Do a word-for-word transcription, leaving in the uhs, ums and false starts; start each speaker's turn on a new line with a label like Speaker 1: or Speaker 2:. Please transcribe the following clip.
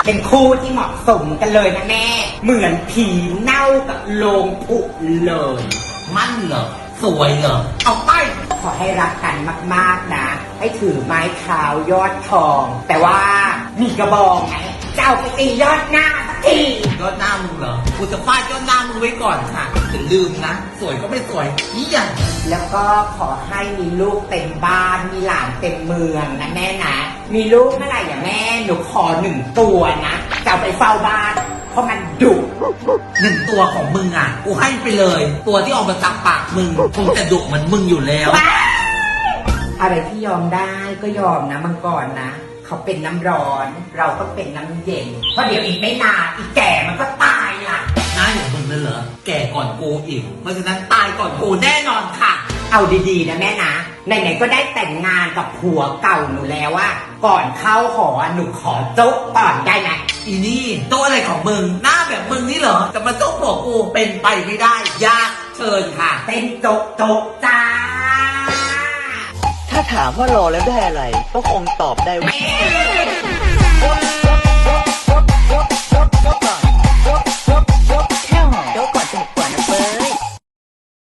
Speaker 1: เป็นคู่ที่เหมาะสมกันเลยนะแม่เหมือนผีเน่ากับโลงผุเลยมั่นเหรอสวยเหรอเอาไปขอให้รักกันมากๆนะให้ถือไม้เท้ายอดทอง แต่ว่ามีกระบองไงเจ้าไปตียอดหน้าสักทียอดหน้ามึงเหรอกูจะฟาดยอดหน้ามึงไว้ก่อนค่ะอย่าลืมนะสวยก็ไม่สวยนี่อย่างแล้วก็ขอให้มีลูกเต็มบ้านมีหลานเต็มเมืองนะแม่นะมีลูกเมื่อไหร่อย่าแม่หนูขอหนึ่งตัวนะจะเอาไปเฝ้าบ้านเพราะมันดุหนึ่งตัวของมึงอ่ะกูให้ไปเลยตัวที่ออกมาจากปากมึงคงจะดุเหมือนมึงอยู่แล้วอะไรที่ยอมได้ก็ยอมนะมังกรนะเขาเป็นน้ำร้อนเราต้องเป็นน้ำเย็นเพราะเดี๋ยวอีกไม่นานอีแก่มันก็ตายล่ะน่าอย่างมึงนั่นเหรอแก่ก่อนกูอีกเพราะฉะนั้นตายก่อนกูแน่นอนค่ะเอาดีๆนะแม่นะไหนๆก็ได้แต่งงานกับผัวเก่าหนูแล้วว่าก่อนเข้าหอหนูขอโจ๊กก่อนได้ไหมอีนี่โจ๊กอะไรของมึงหน้าแบบมึงนี่เหรอจะมาโจ๊กบอกกูเป็นไปไม่ได้ยากเชิญค่ะเต้นโจ๊กโจ๊กจ้า
Speaker 2: ถ้าถามว่ารอแล้วได้อะไรก็คงตอบได้ว่า